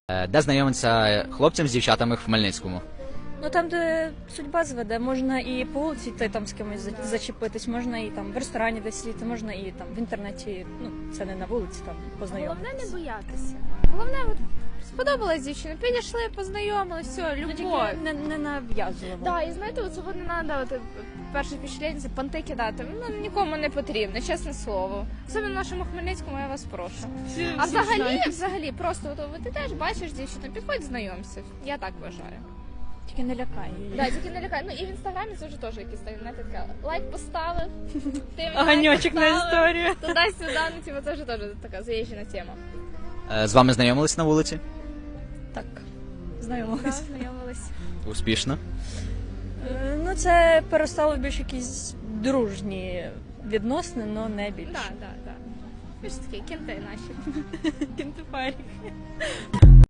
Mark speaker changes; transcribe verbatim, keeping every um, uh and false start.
Speaker 1: Е, Де знайомиться хлопцям з дівчатами в Хмельницькому?
Speaker 2: Ну там, де судьба зведе, можна і по вулиці йти там з кимось за- зачепитись, можна і там в ресторані десь сидіти, можна і там в інтернеті, ну це не на вулиці, там
Speaker 3: Головне
Speaker 2: познайомитись.
Speaker 3: не боятися. Головне, от сподобалась дівчина, підійшли, познайомились, все,
Speaker 2: Ну,
Speaker 3: любов.
Speaker 2: тільки не, не нав'язливо.
Speaker 3: Да, і знаєте, от цього не треба, от, перше впечатлення, це понти кидати. Ну, нікому не потрібно, чесне слово. Особливо в нашому Хмельницькому, я вас прошу. А взагалі, взагалі, просто от, от, ти теж бачиш дівчину, підходь, знайомся. Я так вважаю.
Speaker 2: Тільки не лякай її.
Speaker 3: Да, тільки не лякай. Ну і в інстаграмі це вже теж якісь так, знаєте, така лайк поставив, ти мені лайк
Speaker 2: Огоньочок на
Speaker 3: поставив,
Speaker 2: історію.
Speaker 3: туди-сюди, ну типу, це вже теж така заїжджена тема.
Speaker 1: Е, З вами знайомились на вулиці?
Speaker 2: Так,
Speaker 3: Да,
Speaker 2: знайомились.
Speaker 3: знайомились.
Speaker 1: Успішно.
Speaker 2: Е, Ну це перестало більш якісь дружні відносини, але не більше.
Speaker 3: Так, так, так. Ви ж такі кінти наші.
Speaker 2: Кінтифарі.